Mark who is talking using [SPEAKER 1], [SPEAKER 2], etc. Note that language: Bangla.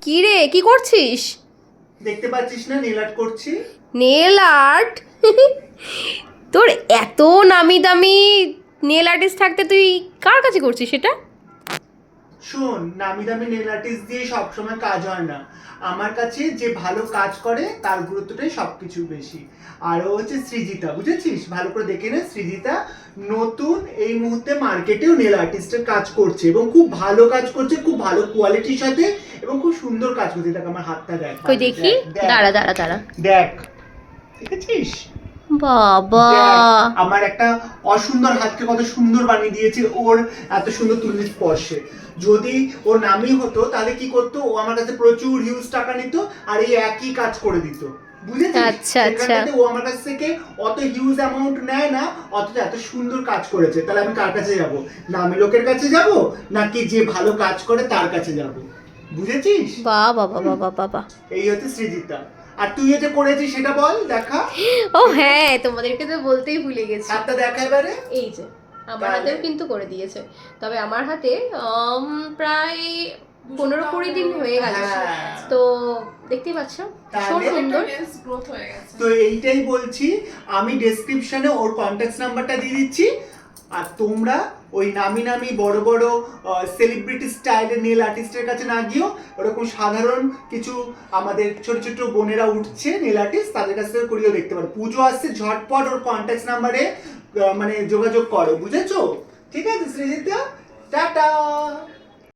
[SPEAKER 1] কি রে, কি করছিস?
[SPEAKER 2] দেখতে পাচ্ছিস না নেল আর্ট করছি।
[SPEAKER 1] Nail art? তোর এত নামি দামি নেল আর্টিস্ট থাকতে তুই কার কাছে করছিস সেটা?
[SPEAKER 2] শোন, নামি দামি নেল আর্টিস্ট দিয়ে সবসময় কাজ হয় না। আমার কাছে যে ভালো কাজ করে তার গুরুত্বটাই সবকিছু বেশি। আর ও হচ্ছে সৃজিতা, বুঝেছিস? ভালো করে দেখে নে, সৃজিতা নতুন এই মুহূর্তে মার্কেটেও নেল আর্টিস্টের কাজ করছে এবং খুব ভালো কাজ করছে, খুব ভালো কোয়ালিটির সাথে এবং খুব সুন্দর কাজ করছে। দেখ আমার হাতটা দেখ,
[SPEAKER 1] কই দেখি।
[SPEAKER 2] দেখ,
[SPEAKER 1] দাঁড়া দাঁড়া দাঁড়া।
[SPEAKER 2] দেখ, দেখেছিস?
[SPEAKER 1] বাবা,
[SPEAKER 2] দেখ, আমার একটা অসুন্দর হাতকে কত সুন্দর বানিয়ে দিয়েছে ওর এত সুন্দর তুলির স্পর্শে। যদি ওর নামই হতো তাহলে কি করতো, ও আমার কাছে প্রচুর হিউজ টাকা নিত আর এই একই কাজ করে দিত, বুঝেছিস?
[SPEAKER 1] আচ্ছা আচ্ছা।
[SPEAKER 2] সেখানটাতে ও আমার কাছ থেকে অত হিউজ অ্যামাউন্ট নেয় না, অথচ এত সুন্দর কাজ করেছে। তাহলে আমি কার কাছে যাব? নামি লোকের কাছে যাব নাকি যে ভালো কাজ করে তার কাছে যাব? বুঝেছিস?
[SPEAKER 1] বাবা বাবা বাবা বাবা।
[SPEAKER 2] এই হচ্ছে সৃজিতা। আর তুই এটা করেছিস সেটা বল, দেখা।
[SPEAKER 1] ও হ্যাঁ, তোমাদেরকে তো বলতেই ভুলে গেছি।
[SPEAKER 2] হাতটা দেখা এবারে।
[SPEAKER 1] এই যে আমার হাতেও কিন্তু করে দিয়েছে। তবে আমার হাতে প্রায় 15-20 দিন হয়ে গেছে।
[SPEAKER 2] হ্যাঁ।
[SPEAKER 1] তো দেখতেই পাচ্ছ ভীষণ
[SPEAKER 2] তাহলে
[SPEAKER 1] সুন্দর।
[SPEAKER 3] গ্রোথ হয়ে গেছে।
[SPEAKER 2] তো এইটাই বলছি, আমি ডেসক্রিপশনে ওর কন্ট্যাক্ট নাম্বারটা দিয়ে দিচ্ছি। আর তোমরা ওই নামি নামি বড় বড় সেলিব্রিটি স্টাইলের নেল আর্টিস্টের কাছে না গিয়েও ওরকম সাধারণ কিছু আমাদের ছোট ছোট বোনেরা উঠছে নেল আর্টিস্ট, তাদের কাছ থেকে করিয়েও দেখতে পারো। পুজো আসছে, ঝটপট ওর কন্ট্যাক্ট নাম্বারে মানে যোগাযোগ করো, বুঝেছো? ঠিক আছে সৃজিতা, টাটা।